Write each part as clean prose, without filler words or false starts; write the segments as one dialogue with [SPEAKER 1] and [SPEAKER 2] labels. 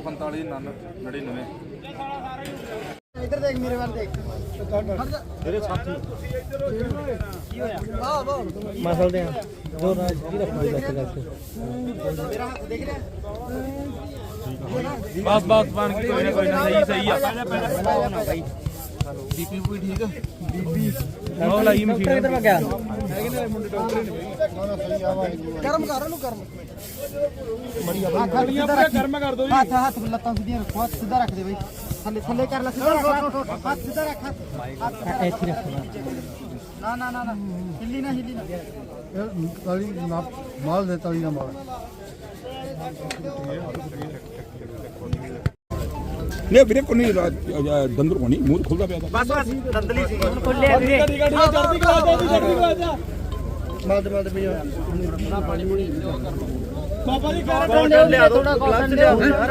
[SPEAKER 1] 45 99।
[SPEAKER 2] इधर देख मेरे वाल देख
[SPEAKER 1] तेरे साथी
[SPEAKER 2] मसल दे जो राज की रखो मेरा हाथ देख रहे
[SPEAKER 1] बस बस बन के कोई ना सही सही है भाई बीपी भी ठीक है बीपी ਉਹ ਲਾਈ ਮਸ਼ੀਨ
[SPEAKER 2] इधर में क्या गरम कर लो गरम
[SPEAKER 1] ਗਰਮ ਕਰ ਦੋ
[SPEAKER 2] हाथ हाथ लत्तां सीधी रखो हाथ सीधा रख दे भाई थल्ले थल्ले कर ले सीधा रख हाथ सीधा रख हाथ ऐसे रख ना ना ना ना हिली ना ताली ना माल दे ताली ना माल
[SPEAKER 3] नहीं ਵੀਰੇ ਕੋਈ ਨਹੀਂ ਦੰਦਰ ਕੋਣੀ ਮੂੰਹ ਖੁੱਲਦਾ ਪਿਆ
[SPEAKER 2] बस बस दंदली सी खुले वीरे
[SPEAKER 1] ਜਲਦੀ ਕਰਾ ਜਾ
[SPEAKER 2] माल दे भैया ना पानी मुड़ी बाबा जी
[SPEAKER 1] कॉटन ले आ थोड़ा कॉटन ले आओ यार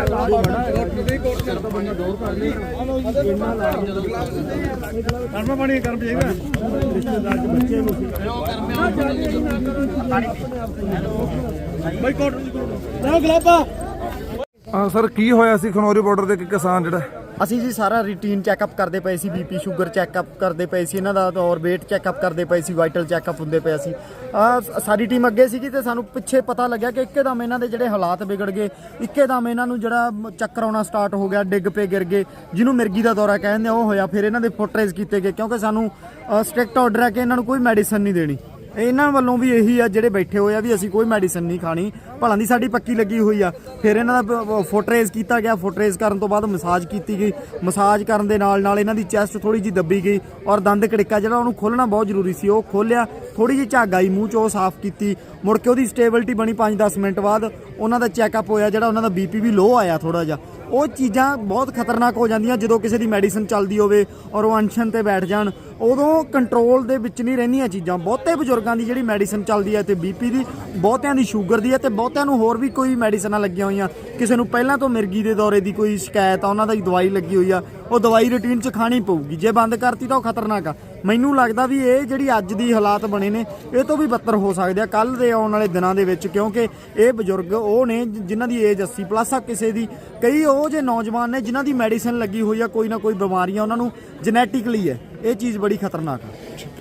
[SPEAKER 2] गर्म पानी गर्म जाएगा रिश्तेदार के बच्चे भाई कॉटन ना गुलाबा
[SPEAKER 4] ਹਾਂ ਸਰ ਕੀ ਹੋਇਆ ਸੀ ਖਨੌਰੀ ਬਾਰਡਰ ਤੇ ਕਿਸਾਨ ਜਿਹੜਾ
[SPEAKER 2] ਅਸੀਂ ਜੀ ਸਾਰਾ ਰੂਟੀਨ ਚੈੱਕਅਪ ਕਰਦੇ ਪਏ ਸੀ ਬੀਪੀ ਸ਼ੂਗਰ ਚੈੱਕਅਪ ਕਰਦੇ ਪਏ ਸੀ ਇਹਨਾਂ ਦਾ ਔਰ weight ਚੈੱਕਅਪ ਕਰਦੇ ਪਏ ਸੀ ਵਾਈਟਲ ਚੈੱਕਅਪ ਹੁੰਦੇ ਪਏ ਸੀ ਸਾਡੀ ਟੀਮ ਅੱਗੇ ਸੀਗੀ ਤੇ ਸਾਨੂੰ ਪਿੱਛੇ ਪਤਾ ਲੱਗਿਆ ਕਿ ਇੱਕਦਮ ਇਹਨਾਂ ਦੇ ਜਿਹੜੇ ਹਾਲਾਤ ਵਿਗੜ ਗਏ ਇੱਕਦਮ ਇਹਨਾਂ ਨੂੰ ਜਿਹੜਾ ਚੱਕਰ ਆਉਣਾ ਸਟਾਰਟ ਹੋ ਗਿਆ ਡਿੱਗ ਪਏ ਗਿਰ ਗਏ ਜਿਹਨੂੰ ਮਿਰਗੀ ਦਾ ਦੌਰਾ ਕਹਿੰਦੇ ਉਹ ਹੋਇਆ ਫਿਰ ਇਹਨਾਂ ਦੇ ਫੁੱਟ ਰੇਜ਼ ਕੀਤੇ ਗਏ ਕਿਉਂਕਿ ਸਾਨੂੰ ਸਟ੍ਰਿਕਟ ਆਰਡਰ ਹੈ ਕਿ ਇਹਨਾਂ ਨੂੰ ਕੋਈ ਮੈਡੀਸਨ ਨਹੀਂ ਦੇਣੀ ਇਹਨਾਂ ਵੱਲੋਂ ਵੀ ਇਹੀ ਆ ਜਿਹੜੇ ਬੈਠੇ ਹੋਏ ਆ ਵੀ ਅਸੀਂ ਕੋਈ ਮੈਡੀਸਨ ਨਹੀਂ ਖਾਣੀ ਭਲਾਂ ਦੀ ਸਾਡੀ ਪੱਕੀ ਲੱਗੀ ਹੋਈ ਆ ਫਿਰ ਇਹਨਾਂ ਦਾ ਫੁੱਟ ਰੇਜ਼ ਕੀਤਾ ਗਿਆ ਫੁੱਟ ਰੇਜ਼ ਕਰਨ ਤੋਂ ਬਾਅਦ ਮਸਾਜ ਕੀਤੀ ਗਈ ਮਸਾਜ ਕਰਨ ਦੇ ਨਾਲ ਨਾਲ ਇਹਨਾਂ ਦੀ ਚੈਸਟ ਥੋੜੀ ਜਿਹੀ ਦੱਬੀ ਗਈ ਔਰ ਦੰਦ ਕੜਿੱਕਾ ਜਿਹੜਾ ਉਹਨੂੰ ਖੋਲ੍ਹਣਾ ਬਹੁਤ ਜ਼ਰੂਰੀ ਸੀ ਉਹ ਖੋਲ੍ਹਿਆ ਥੋੜੀ ਜਿਹੀ ਝੱਗ ਆਈ ਮੂੰਹ 'ਚ ਉਹ ਸਾਫ਼ ਕੀਤੀ ਮੁੜ ਕੇ ਉਹਦੀ ਸਟੇਬਿਲਿਟੀ ਬਣੀ 5-10 ਮਿੰਟ ਬਾਅਦ ਉਹਨਾਂ ਦਾ ਚੈੱਕਅਪ ਹੋਇਆ ਜਿਹੜਾ ਉਹਨਾਂ ਦਾ ਬੀਪੀ ਵੀ ਲੋਅ ਆਇਆ ਥੋੜਾ ਜਿਹਾ ਉਹ ਚੀਜ਼ਾਂ ਬਹੁਤ ਖਤਰਨਾਕ ਹੋ ਜਾਂਦੀਆਂ ਜਦੋਂ ਕਿਸੇ ਦੀ ਮੈਡੀਸਨ ਚੱਲਦੀ ਹੋਵੇ ਔਰ ਉਹ ਅਨਸ਼ਨ ਤੇ ਬੈਠ ਜਾਣ ਉਦੋਂ ਕੰਟਰੋਲ ਦੇ ਵਿੱਚ ਨਹੀਂ ਰਹਿੰਦੀਆਂ ਚੀਜ਼ਾਂ ਬਹੁਤੇ ਬਜ਼ੁਰਗਾਂ ਦੀ ਜਿਹੜੀ ਮੈਡੀਸਨ ਚੱਲਦੀ ਹੈ ਤੇ ਬੀਪੀ ਦੀ ਬਹੁਤਿਆਂ ਦੀ ਸ਼ੂਗਰ ਦੀ ਹੈ ਤੇ ਬਹੁਤਿਆਂ ਨੂੰ ਹੋਰ ਵੀ ਕੋਈ ਮੈਡੀਸਨਾਂ ਲੱਗੀਆਂ ਹੋਈਆਂ ਕਿਸੇ ਨੂੰ ਪਹਿਲਾਂ ਤੋਂ ਮਿਰਗੀ ਦੇ ਦੌਰੇ ਦੀ ਕੋਈ ਸ਼ਿਕਾਇਤ ਆ ਉਹਨਾਂ ਦੀ ਦਵਾਈ ਲੱਗੀ ਹੋਈ ਆ ਉਹ ਦਵਾਈ ਰੂਟੀਨ 'ਚ ਖਾਣੀ ਪਊਗੀ ਜੇ ਬੰਦ ਕਰਤੀ ਤਾਂ ਉਹ ਖਤਰਨਾਕ ਆ ਮੈਨੂੰ ਲੱਗਦਾ ਵੀ ਇਹ ਜਿਹੜੀ ਅੱਜ ਦੀ ਹਾਲਾਤ ਬਣੇ ਨੇ ਇਹ ਤੋਂ ਵੀ ਬੱਤਰ ਹੋ ਸਕਦੇ ਆ ਕੱਲ੍ਹ ਦੇ ਆਉਣ ਵਾਲੇ ਦਿਨਾਂ ਦੇ ਵਿੱਚ ਕਿਉਂਕਿ ਇਹ ਬਜ਼ੁਰਗ ਉਹ ਨੇ ਜਿਨ੍ਹਾਂ ਦੀ ਏਜ 80+ ਆ ਕਿਸੇ ਦੀ ਕਈ ਉਹ ਜੇ ਨੌਜਵਾਨ ਨੇ ਜਿਨ੍ਹਾਂ ਦੀ ਮੈਡੀਸਨ ਲੱਗੀ ਹੋਈ ਆ ਕੋਈ ਨਾ ਕੋਈ ਬਿਮਾਰੀਆਂ ਉਹਨਾਂ ਨੂੰ ਜੈਨੇਟਿਕਲੀ ਹੈ ਇਹ ਚੀਜ਼ ਬੜੀ ਖਤਰਨਾਕ ਆ